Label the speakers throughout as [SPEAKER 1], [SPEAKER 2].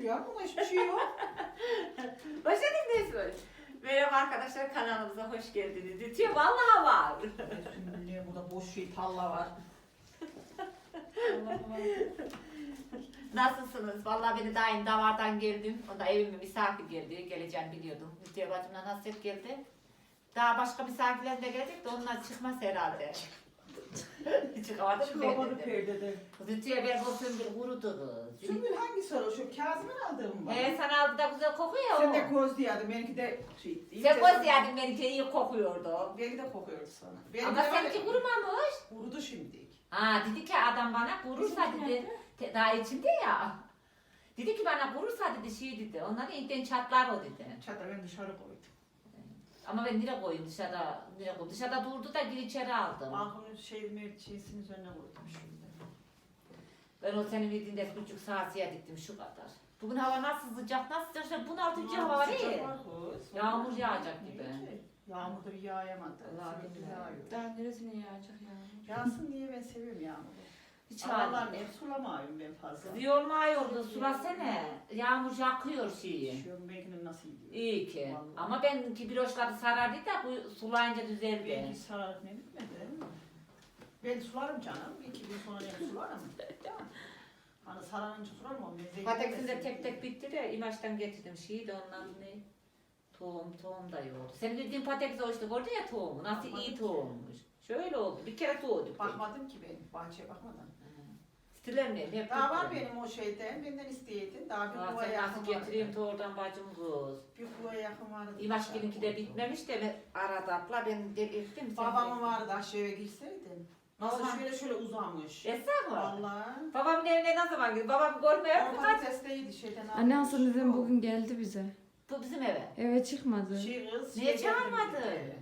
[SPEAKER 1] şükür ya. Buna hiçbir şey yok.
[SPEAKER 2] Başladın Nesmin. Merhaba arkadaşlar, kanalımıza hoş geldiniz. Diyor vallahi var.
[SPEAKER 1] Şimdi burada boş şey talla var.
[SPEAKER 2] Nasılsınız? Vallahi beni daha yeni davardan geldim. Onda evime misafir geldi. Geleceğini biliyordum. Lütfiye bacımdan hasret geldi. Daha başka misafirler de gelecek de onlar çıkmaz herhalde. Çıkamadım
[SPEAKER 1] Çıkamadı perdede.
[SPEAKER 2] Lütfiye ben bu sümbül kurudu.
[SPEAKER 1] Sümbül hangisi o? Şu Kazım'ın aldığım mı?
[SPEAKER 2] Sana aldı da güzel kokuyor.
[SPEAKER 1] Sen de koz diyordun. Benimki de şey.
[SPEAKER 2] Sen koz yedin, benimki iyi kokuyordu.
[SPEAKER 1] Benimki de kokuyordu sana.
[SPEAKER 2] Ama seninki kurumamış.
[SPEAKER 1] Kurudu şimdi.
[SPEAKER 2] Ha dedi ki adam bana kurursa dedi. Daha içinde ya. Dedi ki bana kurursa dedi şey dedi. Onların ilkten çatlar o dedi.
[SPEAKER 1] Çatı ben dışarı koydum.
[SPEAKER 2] Ama ben nereye koyayım dışarıda? Nereye koyayım? Dışarıda durdu da gir içeri aldım.
[SPEAKER 1] Balkonun şeysinin üzerine koydum şimdi.
[SPEAKER 2] Ben o senin verdiğinde 3,5 saat diktim şu kadar. Bugün hava nasıl sıcak, nasıl sıcak? Bunaltıcı hava var ya. Yağmur yağacak gibi.
[SPEAKER 1] Yağmur da bir yağamadı.
[SPEAKER 2] Vallahi
[SPEAKER 1] Sürekli
[SPEAKER 2] billahi.
[SPEAKER 1] yağıyor.
[SPEAKER 3] Daha neresine yağacak ya?
[SPEAKER 1] Yağsın diye ben seviyorum yağmuru.
[SPEAKER 2] Hiç
[SPEAKER 1] Allah'ım
[SPEAKER 2] halim.
[SPEAKER 1] hep sulamıyorum ben fazla.
[SPEAKER 2] Kız yormuyordu, sulasene. Yağmur yakıyor şeyi.
[SPEAKER 1] Düşüyorum belki nasıl gidiyor.
[SPEAKER 2] İyi ki.
[SPEAKER 1] Vallahi.
[SPEAKER 2] Ama benimki bir hoşladı sarardı da bu sulayınca düzeldi.
[SPEAKER 1] Belki sararıp ne bitmedi. Ben sularım canım. 2 gün sonra ne sularım. Hani sararınca sularım o mezeyi.
[SPEAKER 2] Pateksin de tek tek bitti de İmaç'tan getirdim şeyi de ondan ne? Tohum da yoğurdu. Senin dediğin patates o işte gördün ya tohumu. Nasıl iyi tohummuş. Şöyle oldu. Bir kere doğduk.
[SPEAKER 1] Bakmadım ki ben. Bahçeye bakmadım.
[SPEAKER 2] Stilemliyim hep.
[SPEAKER 1] Daha var
[SPEAKER 2] bitti.
[SPEAKER 1] benim o şeyden. Benden isteydin. Daha bir
[SPEAKER 2] Aa,
[SPEAKER 1] kuvaya
[SPEAKER 2] sen
[SPEAKER 1] yakın
[SPEAKER 2] nasıl
[SPEAKER 1] vardı.
[SPEAKER 2] getireyim oradan bacım kız.
[SPEAKER 1] Bir kuvaya yakın vardı.
[SPEAKER 2] İmaçkininki de bitmemiş de ben arada abla ben delirttim.
[SPEAKER 1] Babamın vardı aşağıya girseydin. Nasıl
[SPEAKER 2] Baba.
[SPEAKER 1] şöyle uzamış.
[SPEAKER 2] Esra mı?
[SPEAKER 1] Vallahi.
[SPEAKER 2] Babamın evine ne zaman gidiyor? Babam görmüyor
[SPEAKER 1] O
[SPEAKER 2] mu?
[SPEAKER 1] patatesteydi şeyden
[SPEAKER 3] Anne
[SPEAKER 1] almış.
[SPEAKER 3] Hasan dedem bugün geldi bize.
[SPEAKER 2] Bu bizim eve.
[SPEAKER 3] Eve çıkmadı.
[SPEAKER 1] Şey kız.
[SPEAKER 2] Niye
[SPEAKER 1] şey getirdim
[SPEAKER 2] çağırmadı?
[SPEAKER 1] dedi.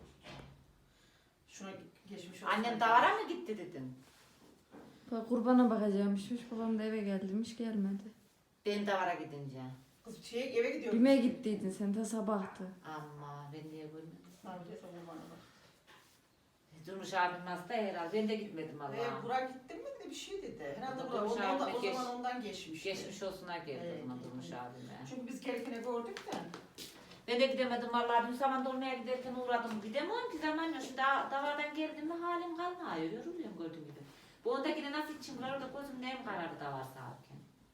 [SPEAKER 1] Şuna geçmiş olsun.
[SPEAKER 2] Annem davara mı gitti dedim.
[SPEAKER 3] Bak kurbana bakacakmışmış. Babam da eve geldimiş gelmedi.
[SPEAKER 2] Ben davara gidince.
[SPEAKER 1] Kız eve gidiyor.
[SPEAKER 3] Bime gittiydin sen ta sabahtı.
[SPEAKER 2] Ama ben niye görmedim?
[SPEAKER 1] Neredeyse kurbana bak.
[SPEAKER 2] Durmuş abim hasta herhalde. Ben de gitmedim Allah'ım.
[SPEAKER 1] Burak gittin mi dedi bir şey dedi. Herhalde
[SPEAKER 2] Durmuş
[SPEAKER 1] Burak
[SPEAKER 2] abime
[SPEAKER 1] o zaman ondan geçmiş.
[SPEAKER 2] Geçmiş olsunlar geldi
[SPEAKER 1] Evet,
[SPEAKER 2] o zaman
[SPEAKER 1] evet.
[SPEAKER 2] Durmuş abime.
[SPEAKER 1] Çünkü biz gerekine gördük de.
[SPEAKER 2] Ben de gidemedim vallahi. Dün zaman dolmaya giderken uğradım. Gidemiyorum ki zaman yok. Şu davardan geldim mi halim kalmıyor. Yoruluyorum gördüğüm gibi. Bu ondakine nasıl içim var orada gözüm neyim kararı davar sağarken.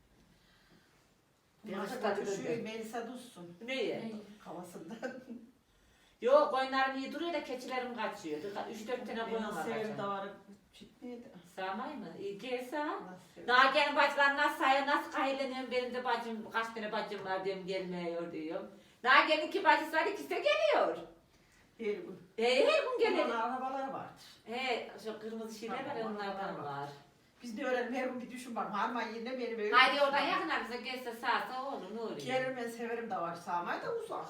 [SPEAKER 2] Biraz
[SPEAKER 1] Biraz
[SPEAKER 2] tadı
[SPEAKER 1] şu
[SPEAKER 2] döndü.
[SPEAKER 1] Melisa Duzsun.
[SPEAKER 2] Neye?
[SPEAKER 1] Havasından.
[SPEAKER 2] Yok koyunlarım iyi duruyor da keçilerim kaçıyor. 3-4 tane koyun
[SPEAKER 1] Nasıl
[SPEAKER 2] var
[SPEAKER 1] severim
[SPEAKER 2] kaçan.
[SPEAKER 1] davarı çitmeydi.
[SPEAKER 2] Sağmay mı? İyi gel sağ.
[SPEAKER 1] Nasıl severim.
[SPEAKER 2] Daha gelin bacılar nasıl sayıyor, nasıl kahirleniyorum, benim de bacım, kaç tane bacım var diyorum, gelmiyor diyorum. Daha gelin ki bacısı var, ikisi de geliyor.
[SPEAKER 1] Her gün.
[SPEAKER 2] Her gün geliyor.
[SPEAKER 1] Onların arabaları vardır.
[SPEAKER 2] Şu kırmızı şeyler var ya,
[SPEAKER 1] Tamam,
[SPEAKER 2] onlardan
[SPEAKER 1] var.
[SPEAKER 2] var.
[SPEAKER 1] Biz de öğrenelim her gün bir düşün bak. Harman yerine benim evim.
[SPEAKER 2] Haydi oradan yakına bize gelse sağsa olur, ne oluyor?
[SPEAKER 1] Gelirim ben severim davar sağmayı da uzak.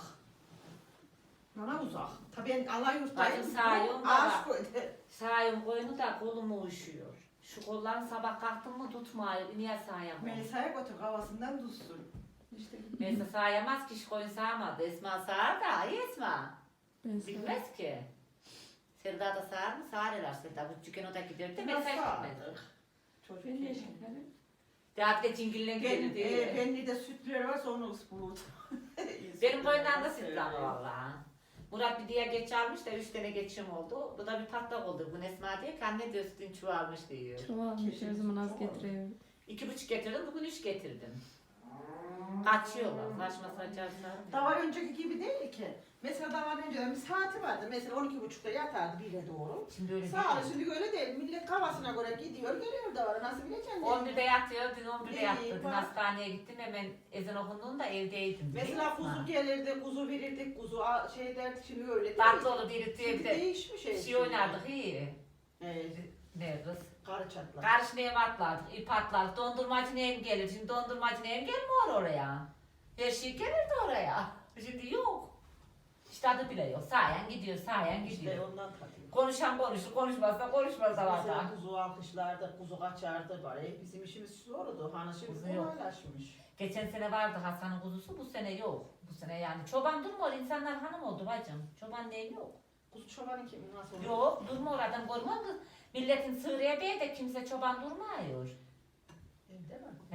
[SPEAKER 1] Bana uzak. Tabii ben Alayurt'tayım.
[SPEAKER 2] Bacım sağıyorum da
[SPEAKER 1] Ağaç
[SPEAKER 2] bak.
[SPEAKER 1] koydu.
[SPEAKER 2] Sağıyorum koyunu da kolum uyuşuyor. Şu kollarını sabah kalktım mı tutmuyor, niye sağıyamam?
[SPEAKER 1] Melisa'ya götür havasından tutsun. İşte
[SPEAKER 2] Neyse sağıyamaz ki, şu koyun sağmadı. Esma sağar da, ay Esma.
[SPEAKER 3] Ben sana.
[SPEAKER 2] Bilmez ki. Sevda da sağar mı? Sağar herhalde Sevda. Bu çıkken o da gidiyor da
[SPEAKER 1] Nasıl
[SPEAKER 2] mesaj gitmez.
[SPEAKER 1] sağladık? Çocuk
[SPEAKER 3] Ben de
[SPEAKER 1] yani.
[SPEAKER 3] şekerim.
[SPEAKER 2] Daha bir de cingillen gidiyor diye.
[SPEAKER 1] Benli de sütleri varsa onu ıspılır.
[SPEAKER 2] Benim boyundan da sütlanı valla. Murat bir diye geç almış da 3 tane geçim oldu. Bu da bir patlak oldu. Bu Esma diyor ki anne diyor sütün çoğalmış diyor.
[SPEAKER 3] Çoğalmış her zaman az
[SPEAKER 1] Çok
[SPEAKER 3] getiriyor.
[SPEAKER 2] 2,5 getirdim, bugün 3 getirdim. Kaçıyorlar, saçma saçma.
[SPEAKER 1] Davar önceki gibi değil ki. Mesela davar önceden bir saati vardı. Mesela 12.30'da yatardı 1'e doğru.
[SPEAKER 2] Şimdi öyle
[SPEAKER 1] Sağ ol,
[SPEAKER 2] değil.
[SPEAKER 1] şimdi öyle değil. Millet kafasına göre gidiyor, geliyor davarı. Nasıl bileceksin?
[SPEAKER 2] 11'de yatıyor, dün 11'de
[SPEAKER 1] İyi,
[SPEAKER 2] yattı. Dün
[SPEAKER 1] bak.
[SPEAKER 2] hastaneye gittim, hemen ezan okunduğunda evdeydim.
[SPEAKER 1] Mesela kuzu gelirdi, kuzu verirdik, kuzu şey derdik, şimdi öyle değil.
[SPEAKER 2] Tatlı olur diye
[SPEAKER 1] Şimdi
[SPEAKER 2] bir de
[SPEAKER 1] değişmiş
[SPEAKER 2] şey
[SPEAKER 1] şey.
[SPEAKER 2] oynardık iyi.
[SPEAKER 1] Evet.
[SPEAKER 2] Ne kız?
[SPEAKER 1] Karı çatlak.
[SPEAKER 2] Karış neyim atlardık, ip atlardık, dondurmacı neyim gelir. Şimdi dondurmacı neyim gelmiyor oraya. Her şey gelirdi oraya. Şimdi yok. İşte adı bile yok. Sayen gidiyor, sayen
[SPEAKER 1] İşte
[SPEAKER 2] gidiyor.
[SPEAKER 1] ondan tabii.
[SPEAKER 2] Konuşan konuşur, konuşmazsa konuşmaz da var
[SPEAKER 1] Mesela
[SPEAKER 2] da.
[SPEAKER 1] kuzu alkışlardı, kuzu kaçardı bari. Bizim işimiz zordu. Hani şimdi
[SPEAKER 2] Kuzu yok.
[SPEAKER 1] kolaylaşmış.
[SPEAKER 2] Geçen sene vardı Hasan'ın kuzusu, bu sene yok. Bu sene yani çoban durmuyor, insanlar hanım oldu bacım. Çoban neyim yok.
[SPEAKER 1] Kuzu çobanı kim? Nasıl olur?
[SPEAKER 2] Yok, durmuyor adam görmüyor musun? Milletin sığırıya bey de kimse çoban durmuyor.
[SPEAKER 1] Evde mi?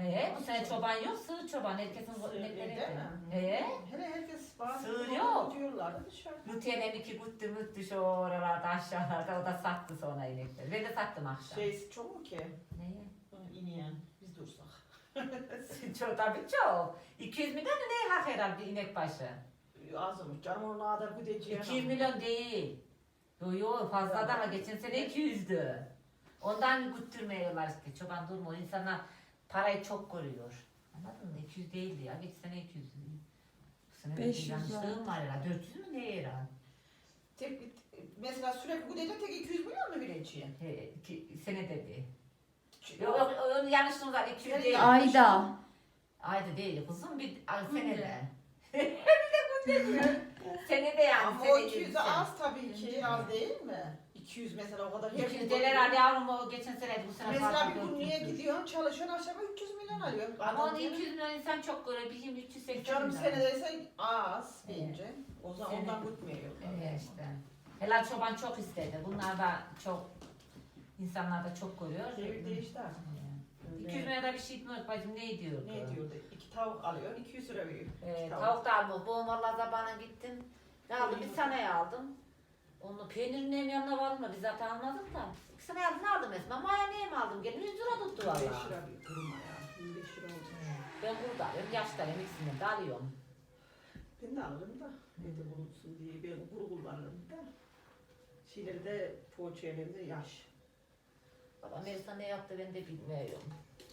[SPEAKER 2] He, bu sene çoban yok, sığır çoban. Herkesin inekleri.
[SPEAKER 1] Değil mi?
[SPEAKER 2] He.
[SPEAKER 1] Hele herkes bazı
[SPEAKER 2] Sığır yok.
[SPEAKER 1] diyorlardı dışarıda.
[SPEAKER 2] Lütyenem iki güttü şu oralarda aşağılarda. O da sattı sonra inekleri. Ben de sattım akşam.
[SPEAKER 1] Çok mu ki?
[SPEAKER 2] Neye?
[SPEAKER 1] İneyen biz dursak.
[SPEAKER 2] Çok tabii çok. 200 milyon mu ne hak herhalde bir inek başı?
[SPEAKER 1] Azmış canım onun kadar gideceği.
[SPEAKER 2] 200 milyon değil. Yo fazla daha geçen sene 200'dü. Ondan güttürmüyorlar işte. Çoban durmuyor. İnsanlar parayı çok koruyor. Anladın mı? 200 değildi ya. Geçen sene 200'dü. Bu sene
[SPEAKER 3] 500
[SPEAKER 2] bir yanlışlığım var ya. 400 mü ne herhalde?
[SPEAKER 1] Mesela sürekli gidecek tek 200 milyon mu vereceği?
[SPEAKER 2] He, sene dedi. Yok onun yanlışlığım var. 200 değil.
[SPEAKER 3] Ayda.
[SPEAKER 2] Ayda değil kızım bir senede. Senede yani.
[SPEAKER 1] Ama o 200 az tabii ki az değil mi? 200 mesela o kadar.
[SPEAKER 2] 200 değil herhalde yavrum o geçen seneydi bu sene
[SPEAKER 1] Mesela
[SPEAKER 2] fazla
[SPEAKER 1] bir gün niye
[SPEAKER 2] 400'dü.
[SPEAKER 1] gidiyorsun çalışıyorsun aşağıya 300 milyon alıyor.
[SPEAKER 2] Ama onu 200 milyon insan çok görüyor. Bizim 380
[SPEAKER 1] Canım
[SPEAKER 2] milyon.
[SPEAKER 1] senedeyse az bence. O zaman
[SPEAKER 2] Sene-
[SPEAKER 1] ondan gitmiyor.
[SPEAKER 2] Evet işte. Helal çoban çok istedi. Bunlar da çok insanlar da çok görüyor.
[SPEAKER 1] Devir değişti artık.
[SPEAKER 2] 200 milyon da bir şey etmiyor bacım ne diyor?
[SPEAKER 1] Ne diyordu? 2 tavuk alıyor 200 lira veriyor.
[SPEAKER 2] Tavuk da aldım. Bu mallar zabana gittim. Ne aldım? Bir sene aldım. Onu peynirin hem yanına vardım da biz zaten almadık da. Bir sene aldım Esma. Maya neye mi aldım? Gelin 100 lira tuttu
[SPEAKER 1] 5
[SPEAKER 2] valla.
[SPEAKER 1] lira bir durma ya. 25 lira oldu.
[SPEAKER 2] Ben burada alıyorum. Yaşlarım ikisini de alıyorum.
[SPEAKER 1] Ben de alırım da. Evde bulunsun diye ben kuru kullanırım da. Şeyleri de poğaçaları da yaş.
[SPEAKER 2] Baba Melisa ne yaptı ben de bilmiyorum.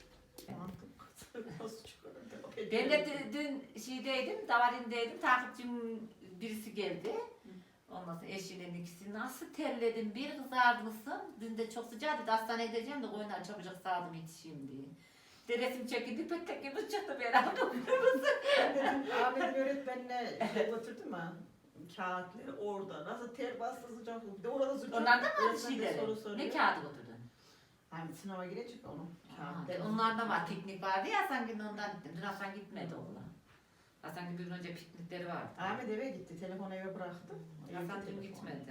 [SPEAKER 1] Nasıl çıkarım?
[SPEAKER 2] Ben de dün şeydeydim, davarindeydim, takipçim birisi geldi. Ondan sonra eşinin ikisi nasıl terledim, bir kızarmışsın. Dün de çok sıcaktı, da hastaneye gideceğim de koyunlar çabucak sağdım yetişeyim diye. Bir de resim çekildi, petek gibi çıktı ben aldım.
[SPEAKER 1] Ahmet'in öğretmenine götürdüm ha. Kağıtları orada. Nasıl ter bastı sıcak. Bir de orada sıcak.
[SPEAKER 2] Onlardan mı
[SPEAKER 1] Öğretmen de
[SPEAKER 2] şeyleri?
[SPEAKER 1] soru soruyor.
[SPEAKER 2] Ne kağıdı götürdün?
[SPEAKER 1] Hani sınava girecek onun. Kağıtları.
[SPEAKER 2] Onlardan var, piknik vardı ya Hasan günü ondan gittim. Dün Hasan gitmedi onunla. Hasan gün bir gün önce piknikleri vardı.
[SPEAKER 1] Ahmet eve gitti. Telefonu eve bıraktı.
[SPEAKER 2] Hasan
[SPEAKER 1] Evde
[SPEAKER 2] dün
[SPEAKER 1] telefon.
[SPEAKER 2] gitmedi.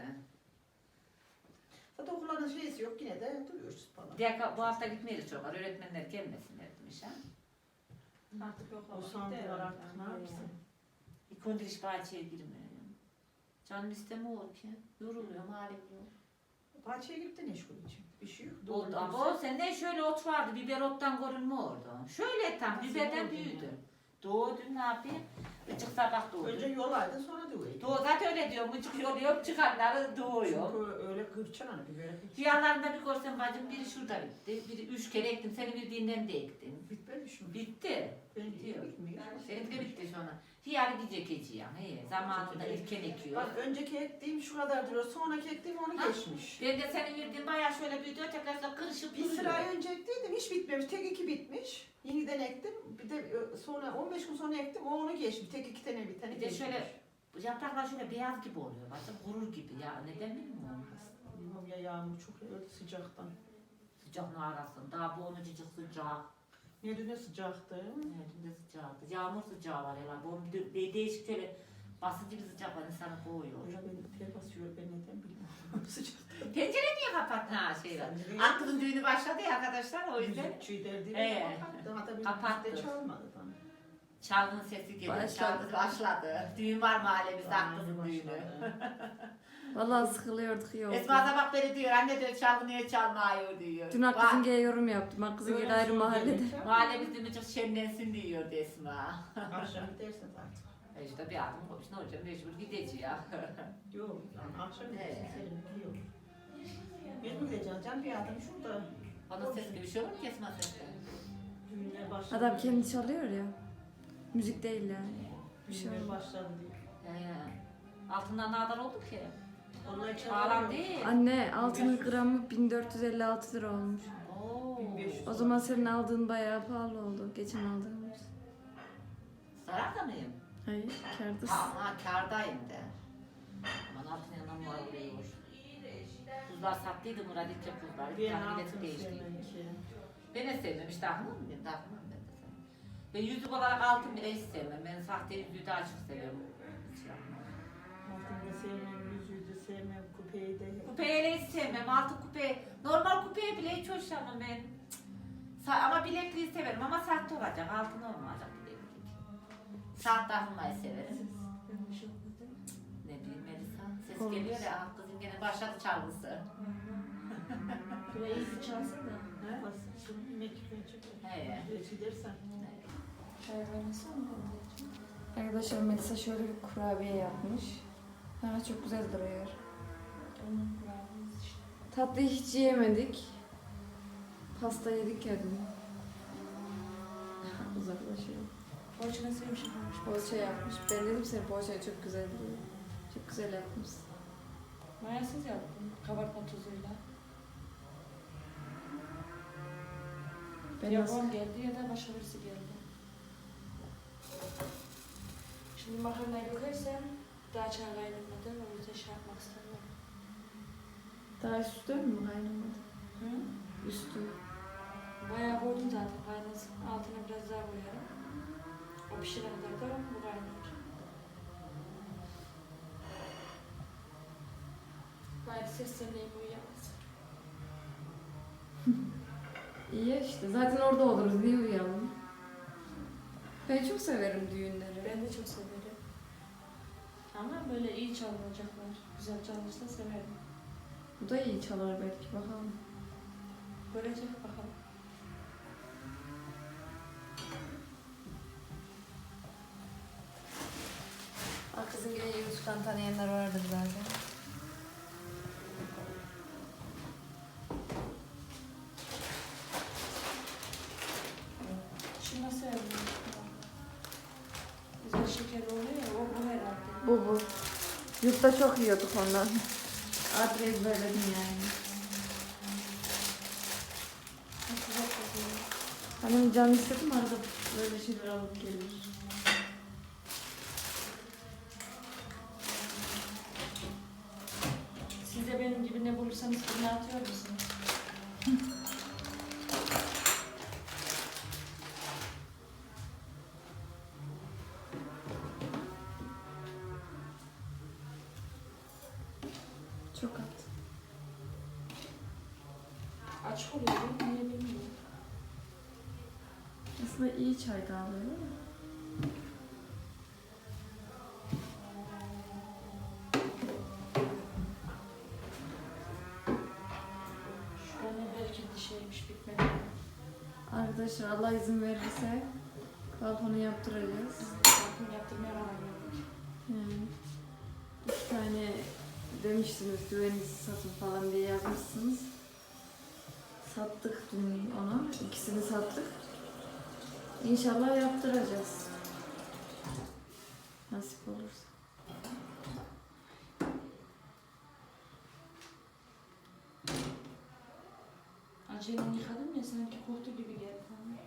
[SPEAKER 1] Zaten okulların şeysi yok. Yine de duruyoruz falan.
[SPEAKER 2] Bu hafta gitmeyiz çok. Öğretmenler gelmesinler demiş ha.
[SPEAKER 4] Artık yok
[SPEAKER 1] O sandılar artık ne yapsın?
[SPEAKER 2] İlk gündür hiç bahçeye girmiyor. Canım istemiyor ki. Yoruluyorum halim yok.
[SPEAKER 1] Bahçeye girip de ne işgul için? Bir şey yok.
[SPEAKER 2] Oldu ama o sende şöyle ot vardı. Biber ottan görünme orada. Şöyle tam
[SPEAKER 1] Nasıl
[SPEAKER 2] biberden
[SPEAKER 1] oldu
[SPEAKER 2] büyüdü.
[SPEAKER 1] ya?
[SPEAKER 2] Doğdu ne yapayım? Mıcık sabah doğdu.
[SPEAKER 1] Önce yolaydı sonra duruyordu.
[SPEAKER 2] Doğu zaten öyle diyor. Mıcık yoluyor çıkanları doğuyor.
[SPEAKER 1] Çünkü öyle kırçan hani bir böyle.
[SPEAKER 2] Rüyalarında bir görsem bacım biri şurada bitti. Biri 3 kere ektim. Seni bildiğinden de ektim.
[SPEAKER 1] Bitmemiş mi?
[SPEAKER 2] Bitti.
[SPEAKER 1] Ben
[SPEAKER 2] Bitiyor.
[SPEAKER 1] bitmiyor.
[SPEAKER 2] Senin de bitti sonra. Hiyari diyecek eci ya. He, zamanında ilken ekiyor.
[SPEAKER 1] Bak önceki ektiğim şu kadar duruyor. Sonraki ektiğim onu
[SPEAKER 2] Ha.
[SPEAKER 1] geçmiş.
[SPEAKER 2] Ben de senin verdiğin bayağı şöyle büyüdü. Tekrar da kırışıp
[SPEAKER 1] Bir
[SPEAKER 2] duruyor.
[SPEAKER 1] sıra önce ektiydim hiç bitmemiş. Tek iki bitmiş. Yeniden ektim. Bir de sonra 15 gün sonra ektim. O onu geçmiş. Tek iki tane bir tane
[SPEAKER 2] Bir de
[SPEAKER 1] geçmiş.
[SPEAKER 2] şöyle yapraklar şöyle beyaz gibi oluyor. Bacım gurur gibi ya. Neden bilmiyorum.
[SPEAKER 1] Bilmiyorum ya yağmur çok öyle sıcaktan.
[SPEAKER 2] Sıcak mı arasın? Daha bu onu cıcık sıcak.
[SPEAKER 1] Ne dün ne sıcaktı.
[SPEAKER 2] Evet, ne sıcaktı. Yağmur sıcağı var ya. Bu değişik şöyle basıcı bir sıcak var. İnsanı boğuyor.
[SPEAKER 1] Ya ben ter basıyor ben neden bilmiyorum. Sıcak.
[SPEAKER 2] Pencere niye kapattın ha şey var?
[SPEAKER 1] Sen
[SPEAKER 2] Aklın düğünü başladı ya arkadaşlar o yüzden.
[SPEAKER 1] Müzikçi derdi.
[SPEAKER 2] Kapattı.
[SPEAKER 1] Hatta bir
[SPEAKER 2] Kapattı.
[SPEAKER 1] müzik de çalmadı bana.
[SPEAKER 2] Çalgın sesi geliyor.
[SPEAKER 3] Başladı.
[SPEAKER 2] Çalgın başladı. Düğün var mahallemizde aklımın düğünü.
[SPEAKER 3] Vallahi sıkılıyorduk iyi oldu.
[SPEAKER 2] Esma sabah beri diyor anne diyor çalgın niye çalmıyor diyor.
[SPEAKER 3] Dün Hakkızınge'ye yorum yaptım. Hakkızınge'de ayrı mahallede.
[SPEAKER 2] Mahallemizde bir çok şenlensin diyor Esma.
[SPEAKER 1] Akşam gidersiniz artık.
[SPEAKER 2] İşte bir adım koymuş ne olacak mecbur gideceğiz ya.
[SPEAKER 1] Yok yani akşam
[SPEAKER 2] Evet.
[SPEAKER 1] gidersiniz. Senin yok. Mecbur gideceğim. Can bir adam şurada.
[SPEAKER 2] Bana ses gibi bir şey olur mu ki Esma sesle?
[SPEAKER 1] Düğünler başladı.
[SPEAKER 3] Adam kendi çalıyor ya. Müzik değil yani. Bir şey
[SPEAKER 1] Düğünler
[SPEAKER 3] olmaz.
[SPEAKER 1] başladı diyor.
[SPEAKER 2] Altından ne kadar oldu ki?
[SPEAKER 1] Onlar
[SPEAKER 2] Pahalı
[SPEAKER 1] çalıyor.
[SPEAKER 2] değil.
[SPEAKER 3] Anne altının gramı 1456 lira olmuş.
[SPEAKER 2] Oo.
[SPEAKER 1] 1500.
[SPEAKER 3] O zaman senin aldığın bayağı pahalı oldu. Geçen aldığımız.
[SPEAKER 2] Zararda mıyım?
[SPEAKER 3] Hayır, kârdasın.
[SPEAKER 2] Ama kârdayım de. Aman altın yanından var oluyor. Kuzlar sattıydı Murat İlke kuzlar.
[SPEAKER 1] Bir
[SPEAKER 2] Tahmin
[SPEAKER 1] altın
[SPEAKER 2] edip değişti.
[SPEAKER 1] seninki.
[SPEAKER 2] Ben de sevmem işte aklım mı? Ben de aklım ben de sevmem. Ben yüzük olarak altın bile hiç sevmem. Ben sahte yüzüğü daha çok seviyorum. Hiç yapmam.
[SPEAKER 1] Altını da sevmem, yüzüğü de sevmem, kupeyi de.
[SPEAKER 2] Kupeyi hiç sevmem. Altın kupe. Normal kupeye bile hiç hoşlanmam ben. Cık. Ama bilekliği severim ama sahte olacak. Altın olmayacak bileklik. Saat takmayı severim. Ne bileyim Melisa. Ses
[SPEAKER 3] Olmaz.
[SPEAKER 2] geliyor ya. Kızım gene başladı çalgısı.
[SPEAKER 4] Böyle iyi bir çalsın da.
[SPEAKER 1] Ne? Basın. Mektup çekiyor.
[SPEAKER 2] He.
[SPEAKER 1] Gidersen.
[SPEAKER 4] Çay kaynasın mı?
[SPEAKER 3] Arkadaşlar Melisa şöyle bir kurabiye yapmış. Ha, çok güzel duruyor.
[SPEAKER 4] Onun kurabiyesi işte.
[SPEAKER 3] Tatlıyı hiç yiyemedik. Pasta yedik ya dün. Uzaklaşıyor.
[SPEAKER 4] Borçuna sevmiş yapmış.
[SPEAKER 3] Poğaça yapmış. Ben dedim senin poğaçayı çok güzel duruyor. Çok güzel yapmışsın.
[SPEAKER 4] Mayasız yaptım. Kabartma tuzuyla.
[SPEAKER 3] Ben
[SPEAKER 4] Ya
[SPEAKER 3] nasıl?
[SPEAKER 4] babam geldi ya da başka birisi geldi. Şimdi makarnayı dökersem daha çay kaynamadı. O yüzden şey yapmak istemiyorum.
[SPEAKER 3] Daha üstü mü kaynamadı?
[SPEAKER 4] Hı?
[SPEAKER 3] Üstü.
[SPEAKER 4] Bayağı koydum zaten kaynasın. Altına biraz daha koyarım. O pişene kadar da bu kaynayacak. Gayet sesleneyim uyuyamaz.
[SPEAKER 3] İyi ya işte. Zaten orada oluruz. Niye uyuyalım? Ben çok severim düğünleri.
[SPEAKER 4] Ben de çok severim. Ama böyle iyi çalınacaklar. Güzel çalınırsa severim.
[SPEAKER 3] Bu da iyi çalar belki. Bakalım.
[SPEAKER 4] Görecek bakalım.
[SPEAKER 3] Kızın gibi YouTube'dan tanıyanlar vardır zaten.
[SPEAKER 4] Şunu severim. Güzel şeker oluyor ya, o bu herhalde.
[SPEAKER 3] Bu. Yurtta çok yiyorduk ondan. Artık ezberledim yani.
[SPEAKER 4] Çok güzel kokuyor.
[SPEAKER 3] Hani canı istedim arada böyle şeyler alıp gelir.
[SPEAKER 4] Siz de benim gibi ne bulursanız fırına atıyor musunuz?
[SPEAKER 3] Çok at.
[SPEAKER 4] Açık oluyor, niye bilmiyorum.
[SPEAKER 3] Aslında iyi çay kahve değil mi?
[SPEAKER 4] Şurada ne bereketli şeymiş bitmedi.
[SPEAKER 3] Arkadaşlar Allah izin verirse balkonu yaptıracağız.
[SPEAKER 4] Bakın yaptırmaya karar verdik.
[SPEAKER 3] Yani 2 tane demiştiniz güvenlisi satın falan diye yazmışsınız. Sattık dün ona. İkisini sattık. İnşallah yaptıracağız. Nasip olursa.
[SPEAKER 4] Acele yıkadım ya sanki koktu gibi geldi bana.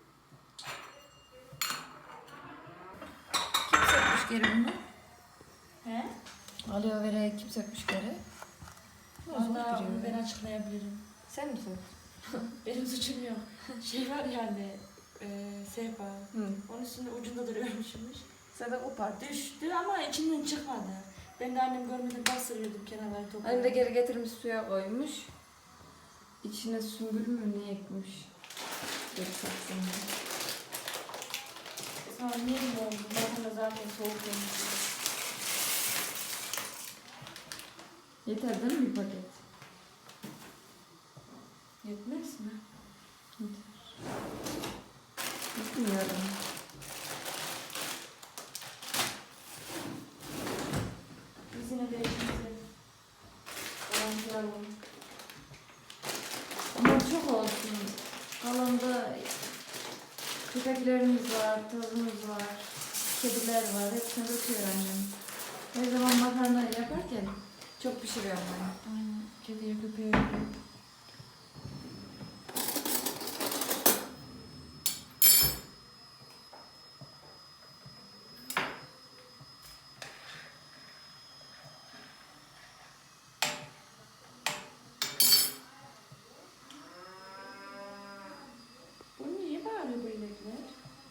[SPEAKER 3] Kim sökmüş geri bunu?
[SPEAKER 4] He?
[SPEAKER 3] Aloe vera'yı kim sökmüş geri?
[SPEAKER 4] Valla onu ben açıklayabilirim.
[SPEAKER 3] Sen misin?
[SPEAKER 4] Benim suçum yok. Şey var yani, sehpa.
[SPEAKER 3] Hı.
[SPEAKER 4] Onun üstünde ucunda duruyormuşmuş.
[SPEAKER 3] Sen de kopart.
[SPEAKER 4] Düştü ama içinden çıkmadı. Ben de annem görmeden bastırıyordum kenarları toprağa.
[SPEAKER 3] Annem de geri getirmiş suya koymuş. İçine sümbül mü ne ekmiş? Geri saksın diye.
[SPEAKER 4] Sonra niye mi oldu? Zaten soğuk yemiş.
[SPEAKER 3] Yeter değil mi bir paket?
[SPEAKER 4] Yetmez mi?
[SPEAKER 3] Bilmiyorum.
[SPEAKER 4] Biz yine de işimizi orantılayalım.
[SPEAKER 3] Ama çok olsun. Kalanda köpeklerimiz var, tozumuz var, kediler var. Hepsini döküyor annem. Her zaman makarna yaparken çok pişiriyorum ben.
[SPEAKER 4] Aynen. Kediye köpeğe öyle. Bu niye bağırıyor bu inekler?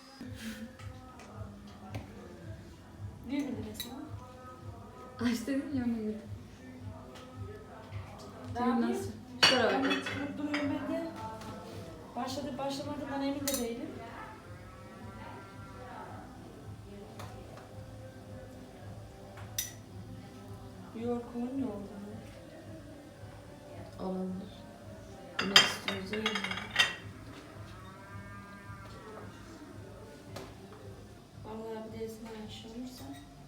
[SPEAKER 4] Niye böyle resmen?
[SPEAKER 3] Aç dedim ya ona göre.
[SPEAKER 4] Daha
[SPEAKER 3] Düğün
[SPEAKER 4] bir-
[SPEAKER 3] nasıl? Şuraya
[SPEAKER 4] Ben
[SPEAKER 3] bak.
[SPEAKER 4] de çıkıp duruyorum ben de. Başlamadığından emin de değilim. Yoğurt ne oldu?
[SPEAKER 3] Olabilir. Ne istiyoruz öyle.
[SPEAKER 4] Vallahi bir de esmer iş olursa.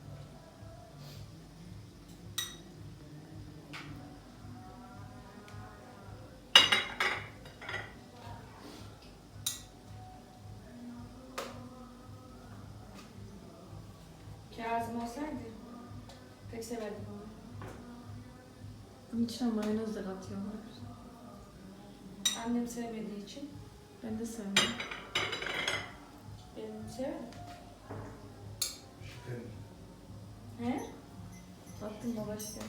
[SPEAKER 4] Kazım olsaydı pek severdim onu.
[SPEAKER 3] Bunun içine mayonez de katıyorlar.
[SPEAKER 4] Annem sevmediği için
[SPEAKER 3] Ben de sevmem.
[SPEAKER 4] ben severim.
[SPEAKER 5] Şüphem.
[SPEAKER 4] He?
[SPEAKER 3] Attım baba işte.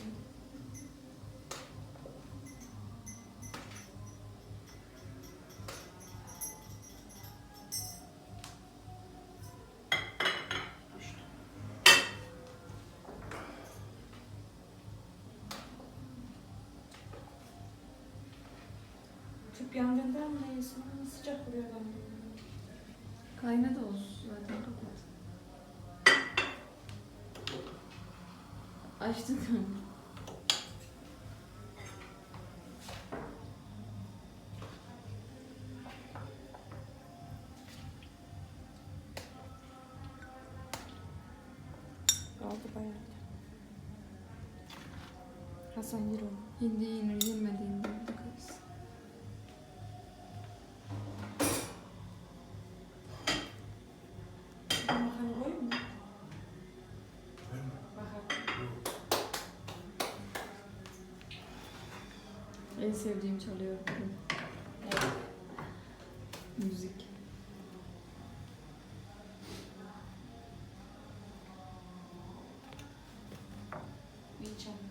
[SPEAKER 4] Tüp yangından mı neyse sıcak vuruyor bana.
[SPEAKER 3] Kaynadı olsun zaten kapat. Açtın mı?
[SPEAKER 4] Kaldı bayağı. Hasan yer onu.
[SPEAKER 3] Hindi yenir yenmediğinde bakarız.
[SPEAKER 4] Ben makarna koyayım mı?
[SPEAKER 5] Ben mi?
[SPEAKER 4] Bakalım.
[SPEAKER 5] Yok.
[SPEAKER 3] En sevdiğim çalıyor bugün.
[SPEAKER 4] Evet.
[SPEAKER 3] Müzik.
[SPEAKER 4] İyi çalıyor.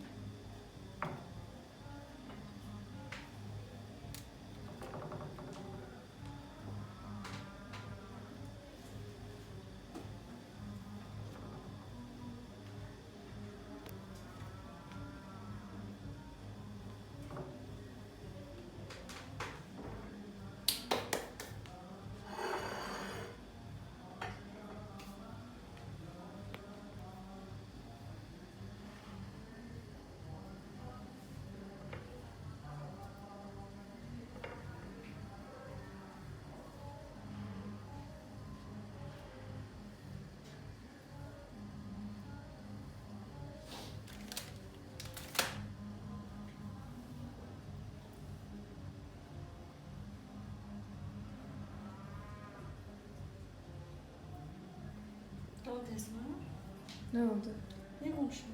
[SPEAKER 4] Ne oldu Esma?
[SPEAKER 3] Ne oldu?
[SPEAKER 4] Ne konuşuyor?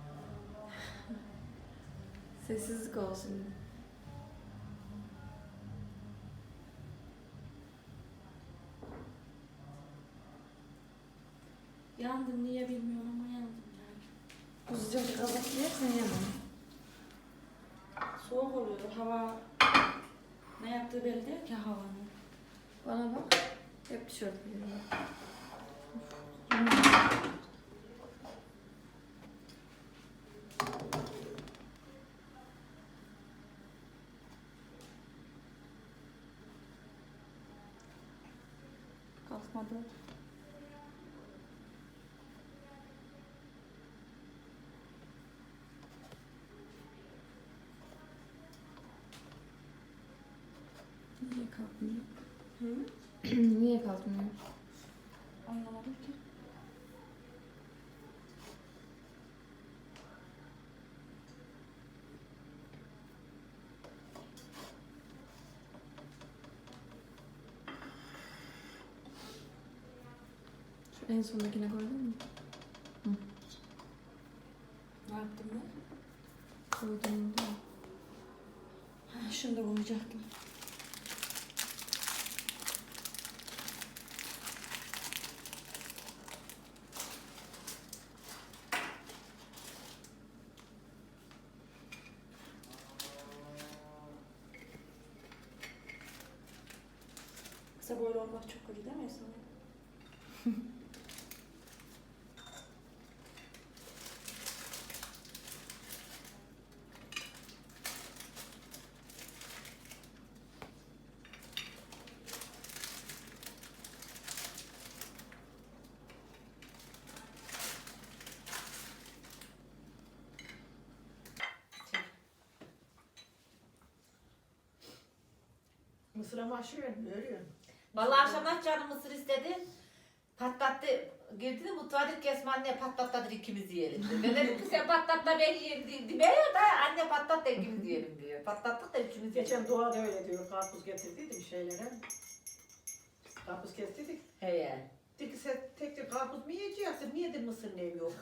[SPEAKER 3] Sessizlik olsun.
[SPEAKER 4] Yandım niye bilmiyorum ama yandım yani.
[SPEAKER 3] Bu sıcak kazak yersen yemem.
[SPEAKER 4] Soğuk oluyor hava. Ne yaptığı belli değil ki havanın.
[SPEAKER 3] Bana bak. Hep tişört giyiyorum.
[SPEAKER 4] Kalkmadı.
[SPEAKER 3] Niye kalkmıyor?
[SPEAKER 4] Hı?
[SPEAKER 3] Niye kalkmıyor?
[SPEAKER 4] Anlamadım ki.
[SPEAKER 3] Şu en sondakine koydun mu?
[SPEAKER 4] Ne yaptım ben?
[SPEAKER 3] Koydum da.
[SPEAKER 4] Ha, şunu da koyacaktım. Kısa boylu olmak çok kötü değil mi Esma?
[SPEAKER 1] Mısır'a maşı veriyor.
[SPEAKER 2] Vallahi akşamdan canım mısır istedi. Patlattı. Girdi de mutfağa dedi ki Esma anne patlatladır ikimiz yiyelim dedi. Ben dedim ki sen patlatla ben yiyeyim demiyor da anne patlat da ikimiz yiyelim diyor. Patlattık da ikimiz yiyelim.
[SPEAKER 1] Geçen Doğa da öyle diyor. Karpuz getirdiydim şeylere. Karpuz kestirdik.
[SPEAKER 2] He.
[SPEAKER 1] Dedi ki sen tek karpuz mu yiyeceksin? Niye de mısır neyim yok?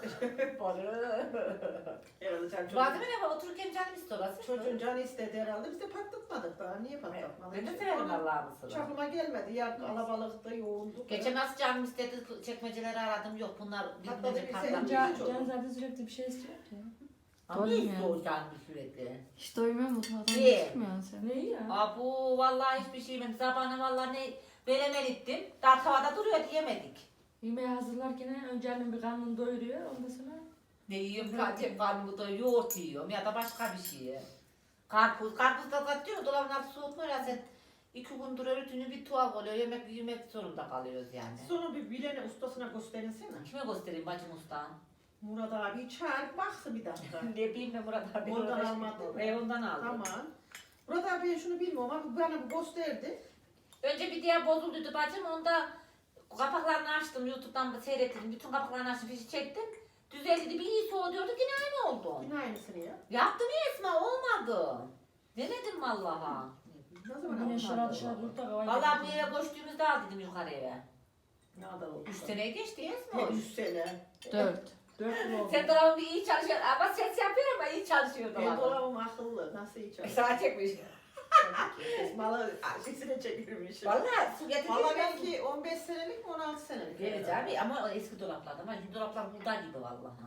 [SPEAKER 1] Herhalde sen
[SPEAKER 2] Bazen ne var otururken canım istiyor.
[SPEAKER 1] çocuğun canı istedi herhalde. Biz de patlatmadık daha. Niye patlatmadık?
[SPEAKER 2] Ben de severim Allah'ın mısırı.
[SPEAKER 1] Çakıma gelmedi. Ya kalabalıkta yoğundu.
[SPEAKER 2] Geçen nasıl canım istedi çekmeceleri aradım yok bunlar
[SPEAKER 1] Patladı
[SPEAKER 2] birbirine
[SPEAKER 1] bir
[SPEAKER 2] patlamış.
[SPEAKER 4] Can zaten sürekli bir şey istiyor ki.
[SPEAKER 2] Ama
[SPEAKER 3] Doyum
[SPEAKER 2] ne
[SPEAKER 3] ya.
[SPEAKER 2] istiyor canım sürekli?
[SPEAKER 3] Hiç doymuyor mutfaktan
[SPEAKER 2] Niye?
[SPEAKER 3] çıkmıyorsun sen.
[SPEAKER 4] Ne ya?
[SPEAKER 2] Abu vallahi hiçbir şey yemedim. Sabahına vallahi ne veremel ettim. Daha tavada duruyor yemedik.
[SPEAKER 4] Yemeği hazırlarken önce annem bir karnını doyuruyor, ondan sonra
[SPEAKER 2] Ne yiyorum? Tek karnımı da yoğurt yiyorum ya da başka bir şey. Karpuz da katıyor. Dolabın altı soğutmuyor ya sen. 2 gündür öğütünü bir tuhaf oluyor. Yemek zorunda kalıyoruz yani.
[SPEAKER 1] Sonra bir bilene ustasına gösterinsene.
[SPEAKER 2] Kime göstereyim bacım usta?
[SPEAKER 1] Murat abi çağır baksın bir dakika.
[SPEAKER 2] Ne bileyim ben Murat abi.
[SPEAKER 1] Ondan almadın mı?
[SPEAKER 2] Ondan aldım.
[SPEAKER 1] Tamam. Murat abi ben şunu bilmiyorum ama bana bu gösterdi.
[SPEAKER 2] Önce bir diğer bozulduydu bacım. Onda kapaklarını açtım. YouTube'dan seyrettim. Bütün kapaklarını açtım. Fişi çektim. Düzeldi. Bir iyi soğuyordu. Yine aynı oldu.
[SPEAKER 1] Yine aynısını ya.
[SPEAKER 2] Yaptım ya Esma. Olmadı. Denedim vallaha.
[SPEAKER 1] Ne zaman
[SPEAKER 4] yine şurada
[SPEAKER 1] almadın?
[SPEAKER 4] dışarı durup da kavayı
[SPEAKER 2] Vallahi bu eve koştuğumuzda al dedim yukarı eve.
[SPEAKER 1] Ne kadar oldu?
[SPEAKER 2] 3 seneye geçti ya
[SPEAKER 1] Ne
[SPEAKER 2] Esma.
[SPEAKER 1] 3 sene?
[SPEAKER 3] 4.
[SPEAKER 1] 4 yıl oldu.
[SPEAKER 2] Sen dolabın bir iyi çalışıyor. Ama ses yapıyor ama iyi çalışıyor
[SPEAKER 1] Benim
[SPEAKER 2] dolabın.
[SPEAKER 1] dolabım akıllı. Nasıl hiç çalışıyor?
[SPEAKER 2] Sana çekmiş.
[SPEAKER 1] Esmalı sesine çekilmiş.
[SPEAKER 2] Vallahi su getirmiş.
[SPEAKER 1] Valla belki 15 senelik mi 16 senelik.
[SPEAKER 2] Evet abi ama o eski dolaplardı ama şimdi dolaplar burada gibi vallahi.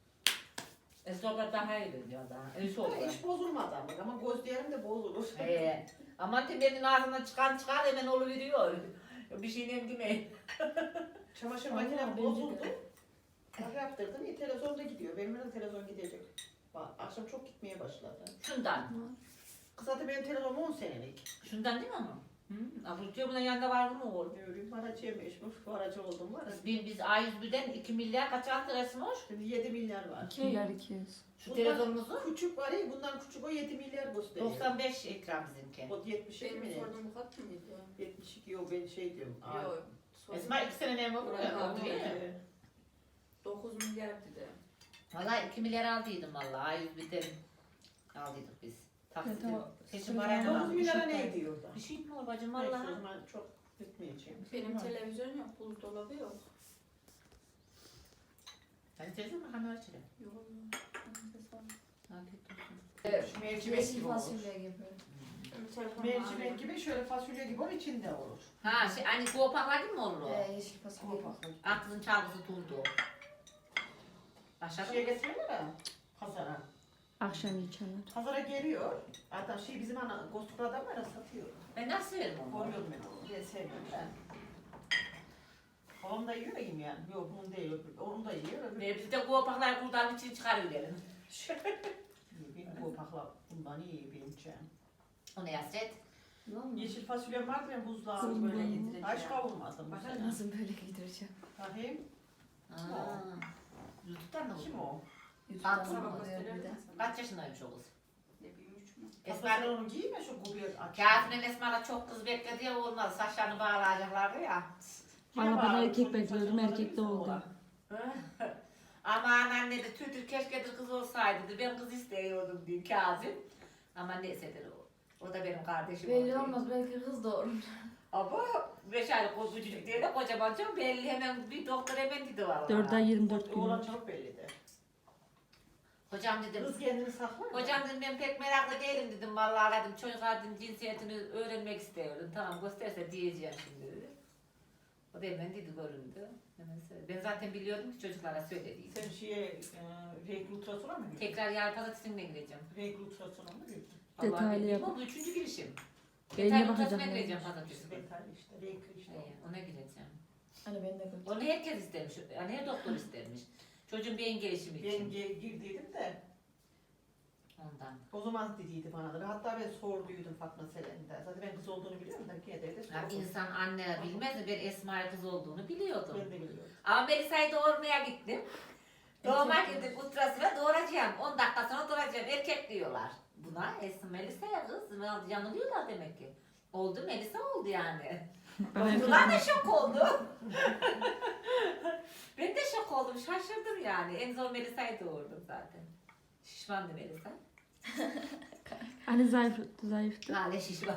[SPEAKER 2] Eski dolaplar daha iyi dönüyor daha. Öyle oldu.
[SPEAKER 1] Hiç bozulmadı ama gözlerim de bozulur.
[SPEAKER 2] Aman temenin ağzından çıkan hemen oluveriyor. Bir şeyle demeyin.
[SPEAKER 1] Çamaşır
[SPEAKER 4] Vallahi
[SPEAKER 1] makinem
[SPEAKER 4] bence
[SPEAKER 1] bozuldu.
[SPEAKER 4] de.
[SPEAKER 1] Bak yaptırdım. Televizyon da gidiyor. Benim de televizyon gidecek. Bak, akşam çok gitmeye başladı.
[SPEAKER 2] Şundan.
[SPEAKER 1] Kısa benim televizyonum 10 senelik.
[SPEAKER 2] Şundan değil mi ama? Hı. Diyor bunun yanında var mı oğlum?
[SPEAKER 1] Diyorum aracıya meşhur. Bu aracı oldum var.
[SPEAKER 2] Biz A101'den 2 milyar kaç aldı resmoş?
[SPEAKER 1] Şimdi 7 milyar var.
[SPEAKER 3] 2 milyar 200.
[SPEAKER 2] Şu telefonumuzu
[SPEAKER 1] Küçük var ya bundan küçük o 7 milyar gösteriyor.
[SPEAKER 2] 95 ekran bizimki.
[SPEAKER 1] O 72 mi?
[SPEAKER 6] Benim sorduğum bu kat mıydı?
[SPEAKER 1] 72 yok ben şey diyorum. Aa,
[SPEAKER 6] Yok.
[SPEAKER 2] Esma 2 sene ne mi bu?
[SPEAKER 1] evet.
[SPEAKER 6] 9 milyar dedi.
[SPEAKER 2] Valla 2 milyar aldıydım valla A101'den aldıydık biz. Taksitle.
[SPEAKER 3] Evet, o
[SPEAKER 2] Seçim
[SPEAKER 3] sırada
[SPEAKER 2] parayla
[SPEAKER 1] 9
[SPEAKER 2] aldık.
[SPEAKER 1] milyara ne ediyor da?
[SPEAKER 2] Bir şey mi var bacım
[SPEAKER 1] Neyse, o
[SPEAKER 2] valla?
[SPEAKER 1] zaman çok gitmeyeceğim.
[SPEAKER 6] Benim televizyon yok, buzdolabı yok.
[SPEAKER 2] Hadi teyzem bakalım açalım.
[SPEAKER 6] Yok.
[SPEAKER 2] Afiyet olsun.
[SPEAKER 1] Mercimek
[SPEAKER 3] Yeşil
[SPEAKER 1] gibi olur.
[SPEAKER 3] fasulye gibi.
[SPEAKER 1] Mercimek gibi şöyle fasulye gibi onun içinde olur.
[SPEAKER 2] Ha şey hani kuopaklar değil mi olur o?
[SPEAKER 3] Yeşil fasulye.
[SPEAKER 2] Aklın çalgısı turdu. Aşağıda
[SPEAKER 1] Şeye getiriyorlar ya. Pazara.
[SPEAKER 3] Akşam içerler.
[SPEAKER 1] Pazara geliyor. Hatta şey bizim ana Ghostuklu adam var ya satıyor.
[SPEAKER 2] Ben nasıl severim onu?
[SPEAKER 1] Koruyorum ben onu. Ben sevmiyorum ben. Babam da yiyor ya yani. Yok bunu değil. Onu da yiyor.
[SPEAKER 2] Biz de kuopaklar kurdan için çıkarıverelim.
[SPEAKER 1] Benim bu pakla bundan iyi benim için.
[SPEAKER 2] O ne hasret?
[SPEAKER 1] Yeşil fasulyem vardı ben buzluğa
[SPEAKER 3] Kızım
[SPEAKER 1] böyle
[SPEAKER 3] benim.
[SPEAKER 1] getireceğim. Hiç kavurmadım bu
[SPEAKER 6] Bakar
[SPEAKER 1] sene.
[SPEAKER 3] Nasıl böyle giydireceğim?
[SPEAKER 1] Bakayım.
[SPEAKER 2] Aa. YouTube'dan da
[SPEAKER 1] Kim o?
[SPEAKER 3] YouTube'dan
[SPEAKER 2] Sabah
[SPEAKER 3] bakıyor
[SPEAKER 6] gösterir
[SPEAKER 3] bir de.
[SPEAKER 6] misin?
[SPEAKER 2] Kaç yaşındaymış o kız?
[SPEAKER 6] Ne bileyim 3 mü?
[SPEAKER 1] Esma
[SPEAKER 2] Esma
[SPEAKER 1] onu giyme şu kubiye aç.
[SPEAKER 2] Kâfinin Esma'la çok kız bekledi ya olmaz. Saçlarını bağlayacaklardı ya.
[SPEAKER 3] Valla ben erkek bekliyordum, erkek de oldu.
[SPEAKER 2] Aman anne de tütür keşke kız olsaydı dedi. Ben kız istiyordum diyor Kazım. Ama neyse o. O da benim kardeşim
[SPEAKER 3] Belli
[SPEAKER 2] oldu.
[SPEAKER 3] olmaz, belki kız doğurur.
[SPEAKER 2] Ama 5 aylık o küçücük diye de kocaman çok belli hemen bir doktor hemen dedi valla.
[SPEAKER 3] 4 ay 24
[SPEAKER 1] Oğlan
[SPEAKER 3] gün.
[SPEAKER 1] çok belli de.
[SPEAKER 2] Hocam dedim.
[SPEAKER 1] Kız kendini saklar.
[SPEAKER 2] Hocam dedim ben pek meraklı değilim dedim vallahi dedim çocuk dedim cinsiyetini öğrenmek istiyorum. Tamam gösterse diyeceğim şimdi dedi. O da hemen dedi göründü. Hemen söyledi. Ben zaten biliyordum ki çocuklara söylediğim.
[SPEAKER 1] Sen şeye renkli ultrasona mı girdin?
[SPEAKER 2] Tekrar yarın pazartesine gireceğim.
[SPEAKER 1] Renkli ultrasona mı girdin?
[SPEAKER 2] Vallahi
[SPEAKER 3] Detaylı
[SPEAKER 2] bilmiyorum
[SPEAKER 3] yap.
[SPEAKER 2] ama bu 3. girişim.
[SPEAKER 3] Beynine
[SPEAKER 2] Detaylı
[SPEAKER 3] bakacağım
[SPEAKER 2] ultrasona
[SPEAKER 3] yani.
[SPEAKER 2] gireceğim pazartesi.
[SPEAKER 1] Detaylı işte renkli işte.
[SPEAKER 2] Ona gireceğim.
[SPEAKER 3] Hani ben de götür.
[SPEAKER 2] Onu herkes istemiş. Yani her doktor istermiş. Çocuğun beyin gelişimi
[SPEAKER 1] Ben
[SPEAKER 2] için.
[SPEAKER 1] girdiydim de
[SPEAKER 2] Ondan.
[SPEAKER 1] o zaman dediydi bana da. Hatta ben sorduydum Fatma Selen'de. Zaten ben kız olduğunu biliyorum da yine de
[SPEAKER 2] Ya
[SPEAKER 1] sordum.
[SPEAKER 2] insan anne bilmez mi? Ben Esma'ya kız olduğunu biliyordum.
[SPEAKER 1] Ben de biliyorum.
[SPEAKER 2] Ama Melisa'yı doğurmaya gittim. Doğuma girdik ultrasına doğuracağım. 10 dakika sonra doğuracağım. Erkek diyorlar. Buna Esma Melisa'ya kız. Yanılıyorlar demek ki. Oldu Melisa oldu yani.
[SPEAKER 3] Bana
[SPEAKER 2] Bunlar da şok oldu. Ben de şok oldum, şaşırdım yani. En zor Melisa'yı doğurdum zaten. Şişmandı Melisa.
[SPEAKER 3] Ali zayıftı.
[SPEAKER 2] Hala şişman.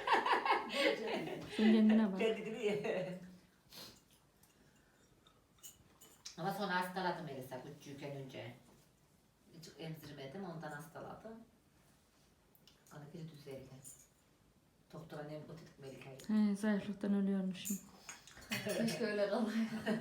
[SPEAKER 3] Sen kendine bak.
[SPEAKER 2] Ben dedim ya. Ama sonra hastaladı Melisa küçükken önce. Hiç emzirmedim, ondan hastaladım. Sonra geri düzeldi. Doktora ne dedik Melika'yı.
[SPEAKER 3] He, zayıflıktan ölüyormuşum.
[SPEAKER 4] Keşke öyle kalaydı.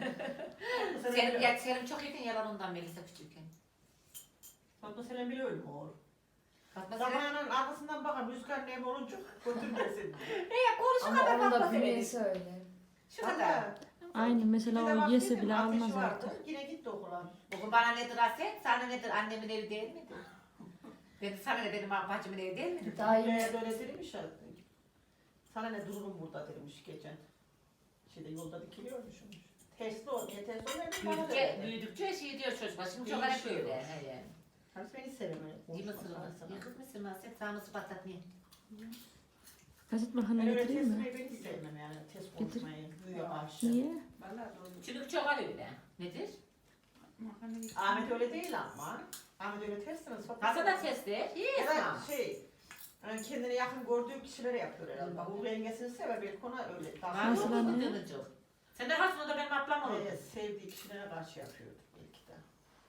[SPEAKER 2] Senin çok yakın yalan ondan Melisa küçükken.
[SPEAKER 1] Fatma Selim bile ölüm oğlum.
[SPEAKER 2] Fatma Selim.
[SPEAKER 1] Zamanın arkasından bakın Rüzgar ne olunca götürmesin.
[SPEAKER 2] Konuş
[SPEAKER 4] Ama
[SPEAKER 2] kadar
[SPEAKER 4] onun
[SPEAKER 2] Fatma
[SPEAKER 4] da
[SPEAKER 2] Selim.
[SPEAKER 4] bünyesi öyle.
[SPEAKER 2] Şu kadar.
[SPEAKER 3] Aynı mesela o yese bile almaz artık.
[SPEAKER 1] Yine gitti okula.
[SPEAKER 2] Bugün bana nedir Aset? Sana nedir? Annemin evi değil miydi? Sana ne benim bacımın evi değil miydi?
[SPEAKER 4] Daha iyi.
[SPEAKER 1] Böyle demiş ya. Sana ne dururum burada demiş geçen. Şeyde yolda dikiliyormuşum. Tersli ol diye tersli ol.
[SPEAKER 2] Büyüdükçe şey diyor çocuklar. Şimdi çok hep
[SPEAKER 1] Değişiyor.
[SPEAKER 2] böyle. He.
[SPEAKER 1] Hani beni sevmiyor.
[SPEAKER 2] İyi mısırımı? Yakıt mısırımı Aset? Sağ mısır patlatmayı.
[SPEAKER 3] Gazet makarna
[SPEAKER 1] Ben öyle
[SPEAKER 3] getireyim mi?
[SPEAKER 1] teslimeyi ben hiç sevmem yani. Test konuşmayı. Büyüyor karşı.
[SPEAKER 3] Niye?
[SPEAKER 6] Vallahi doğru.
[SPEAKER 2] Çünkü çok öyle. Nedir?
[SPEAKER 6] Makarna getir.
[SPEAKER 1] Ahmet öyle değil ama. Ahmet öyle tersiniz.
[SPEAKER 2] Hasan da testi. Yes
[SPEAKER 1] Ya da
[SPEAKER 2] ma'am.
[SPEAKER 1] yani kendine yakın gördüğü kişilere yapıyor herhalde. Bak Uğur yengesini sever belki ona öyle.
[SPEAKER 2] Var
[SPEAKER 3] Nasıl
[SPEAKER 2] mı
[SPEAKER 3] anne?
[SPEAKER 2] bu dönücü? Sen de Hasan'ı da benim ablam olurdu.
[SPEAKER 1] Sevdiği kişilere karşı yapıyordu belki de.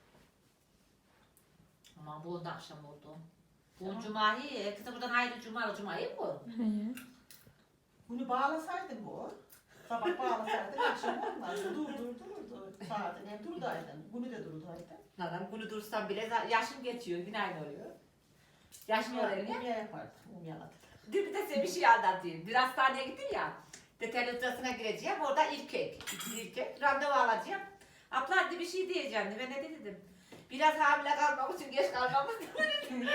[SPEAKER 2] Aman bu da akşam oldu. Bu cumayı, herkese buradan hayırlı cumayı bu.
[SPEAKER 3] He.
[SPEAKER 1] Bunu bağlasaydın bu. Sabah bağlasaydın akşam olmazdı. Dur. Saatini hep durdaydın. Bunu da durdaydın.
[SPEAKER 2] Lan bunu dursam bile yaşım geçiyor, yine aynı oluyor. Yaşım oluyor ya.
[SPEAKER 1] Umya yapardı. Umyaladı.
[SPEAKER 2] Bir de size bir şey anlatayım. Bir hastaneye gittim ya. Detaylı ultrasına gireceğim. Orada ikinci ilkek. Randevu alacağım. Abla hadi bir şey diyeceğim. Ben ne dedim? Biraz hamile kalmamız için geç kalmamız dedim.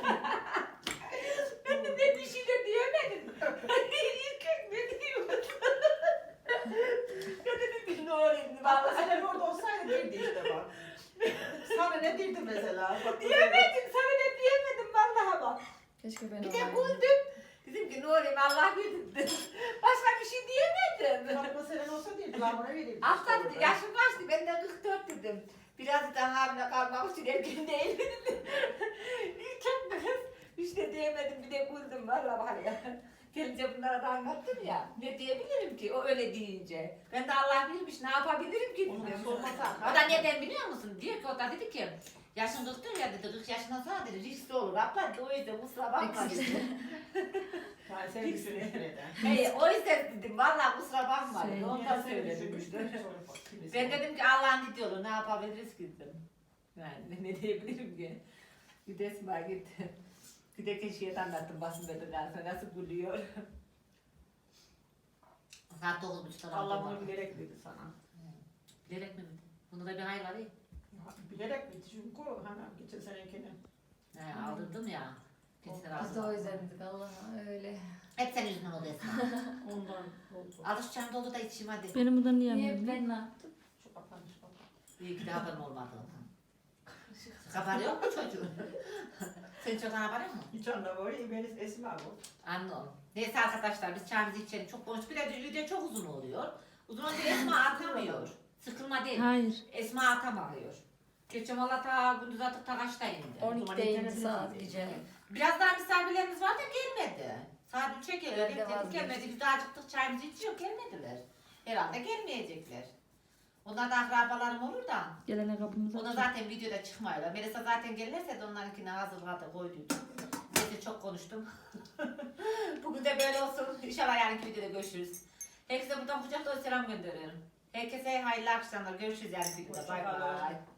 [SPEAKER 2] Ben de bir şey de diyemedim. İlkek ne diyeyim? Ben dedim ne olayım?
[SPEAKER 1] Vallahi sen orada olsaydın derdi işte bak. Sana ne derdi mesela?
[SPEAKER 2] Diyemedim. Sana ne diyemedim vallahi bak.
[SPEAKER 4] Keşke ben
[SPEAKER 2] Bir de
[SPEAKER 4] olaydım.
[SPEAKER 2] güldüm. Dedim ki ne olayım Allah güldüm dedim. Başka bir şey diyemedim.
[SPEAKER 1] Fatma Selen olsa derdi. Lan bana verirdi.
[SPEAKER 2] Aslan yaşım kaçtı ben de 44 dedim. Biraz da hamile kalmak için erken değil dedim. İlk kız hiç de diyemedim bir de güldüm valla var ya. Gelince bunlara da anlattım ya. Ne diyebilirim ki o öyle deyince. Ben de Allah bilmiş ne yapabilirim ki
[SPEAKER 1] Onu
[SPEAKER 2] dedim.
[SPEAKER 1] sormasa.
[SPEAKER 2] O da neden biliyor musun? Diyor ki o da dedi ki yaşın 44 ya dedi 40 yaşından sonra dedi riskli olur. Abla o yüzden kusura bakma dedi.
[SPEAKER 1] Yani sen düşünüyorsun neden?
[SPEAKER 2] Hey, o yüzden dedim vallahi kusura bakma dedi.
[SPEAKER 3] Şey,
[SPEAKER 2] Ondan söyledim. Ben dedim ki Allah'ın dediği olur ne yapabiliriz ki dedim. Yani ne diyebilirim ki? Bir de Esma gitti. Bir de keşke anlattım basında da nasıl gülüyor. Saat 9.30'da
[SPEAKER 1] Allah bunu bilerek dedi sana.
[SPEAKER 2] Bilerek mi? Bunda da bir hayır var ya.
[SPEAKER 1] Bilerek dedi çünkü hani geçen senekini.
[SPEAKER 2] He, aldırdım ya. Geçen
[SPEAKER 4] Biz de
[SPEAKER 2] aldım.
[SPEAKER 4] o yüzden dedik Allah'a öyle.
[SPEAKER 2] Hep senin yüzünden oldu Esma.
[SPEAKER 1] Ondan oldu.
[SPEAKER 2] Alışacağım dolu da içeyim hadi.
[SPEAKER 3] Benim buradan niye
[SPEAKER 4] Niye
[SPEAKER 3] yapmıyorum?
[SPEAKER 4] ben ne yaptım?
[SPEAKER 1] Şu kapanış baba.
[SPEAKER 2] İyi ki de haberim olmadı ondan. Haberi yok mu çocuğun? Senin çocuğun haberi yok mu?
[SPEAKER 1] Hiç anlamıyor. Ben Esma bu.
[SPEAKER 2] Anladım. Neyse arkadaşlar biz çayımızı içelim. Çok konuştuk. Bir de video çok uzun oluyor. Uzun olunca Esma atamıyor. Sıkılma değil.
[SPEAKER 3] Hayır.
[SPEAKER 2] Esma atamıyor. Geçen valla ta gündüz atıp ta kaçta indi.
[SPEAKER 4] 12'deydi saat gece.
[SPEAKER 2] Biraz daha misafirlerimiz var da gelmedi. Saat 3'e geliyor.
[SPEAKER 4] Ben de
[SPEAKER 2] Dedik
[SPEAKER 4] vazgeçtim.
[SPEAKER 2] gelmedi. Biz daha acıktık çayımızı içiyor gelmediler. Herhalde gelmeyecekler. Onlar da akrabalarım olur da.
[SPEAKER 3] Gelene kapımızı
[SPEAKER 2] Ona
[SPEAKER 3] aç.
[SPEAKER 2] zaten videoda çıkmıyorlar. Melisa zaten gelirse de onlarınkini hazırladı koyduydu. Neyse çok konuştum. Bugün de böyle olsun. İnşallah yarınki videoda görüşürüz. Herkese buradan kucak dolu selam gönderiyorum. Herkese hayırlı akşamlar. Görüşürüz yarınki videoda. Bay bay.